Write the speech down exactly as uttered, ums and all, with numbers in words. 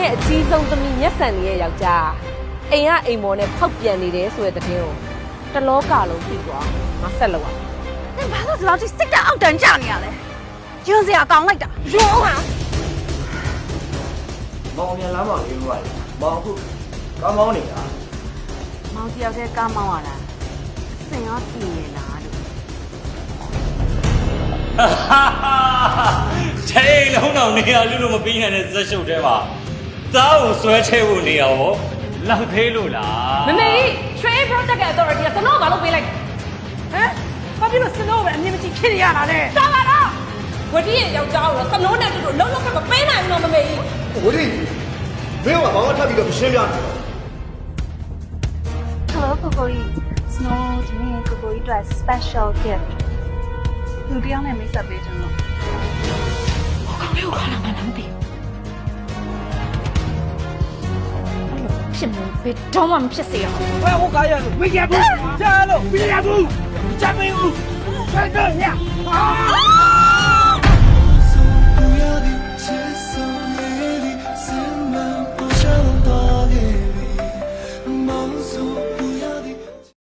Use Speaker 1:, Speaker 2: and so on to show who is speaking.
Speaker 1: ရဲ့အကြီးဆုံးသမီးမျက်စံလေးရဲ့ယောက်ျားအိမ်ကအိမ်မော်နဲ့ဖောက်ပြန်နေတယ်ဆိုတဲ့တဲ့တင်းကိုတလောကလုံးသိသွားငါဆက်လောက်အောင်
Speaker 2: 你把我老弟စိတ်တအောက်တန်းကြနေရလဲ။ကျင်းစရာကောင်းလိုက်တာ။ရောဟာ
Speaker 3: မောင်မြန်လမ်းမှာလေးလို့ရတယ်မောင်အခုကောင်းကောင်းနေတာ
Speaker 2: ။မောင်တယောက်တည်းကားမောင်းရတာ။စင်ရောပြင်းနေလားလို့
Speaker 4: ချိန်လုံးတော့နေရလူလို့မပြီးနိုင်တဲ့ဇက်ရှုပ်သေးပါသားကိုဆွဲချဲဖို့နေရရောလောက်သေးလို့လား
Speaker 1: မမေရွှေ project ရဲ့ authority ကစနော့ဘာလို့ပေးလိုက်ဟမ်ဘာဖြစ်လို့စနော့ပဲအမြင်မကြည့်ဖြစ်နေရတာလဲတော်ပါတော့ဝတိရဲ့ယောက်ျားကိုစနော့နဲ့တူတူလုံးလုံးကမပေးနိုင်ဘူးနော်မမေ
Speaker 3: ဝတိမင်းကဘာမှထပ်ပြီးတော့မရှင်းပြနဲ့
Speaker 2: ။ Hello ကိုကိုကြီး Snow ဒီနေ့ကိုကိုကြီးအတွက် special gift ။လူတယောက်နဲ့မိတ်ဆက်ပေးကြလို့။ကောင်းလေးကိုခါလာမှန်းမသိဘူး။ဖြစ်လို့ဘယ်တော့မှမဖြစ်စေရအောင်။
Speaker 5: 喂，我感觉没见过，加了没见过，真没有，真的呀！啊！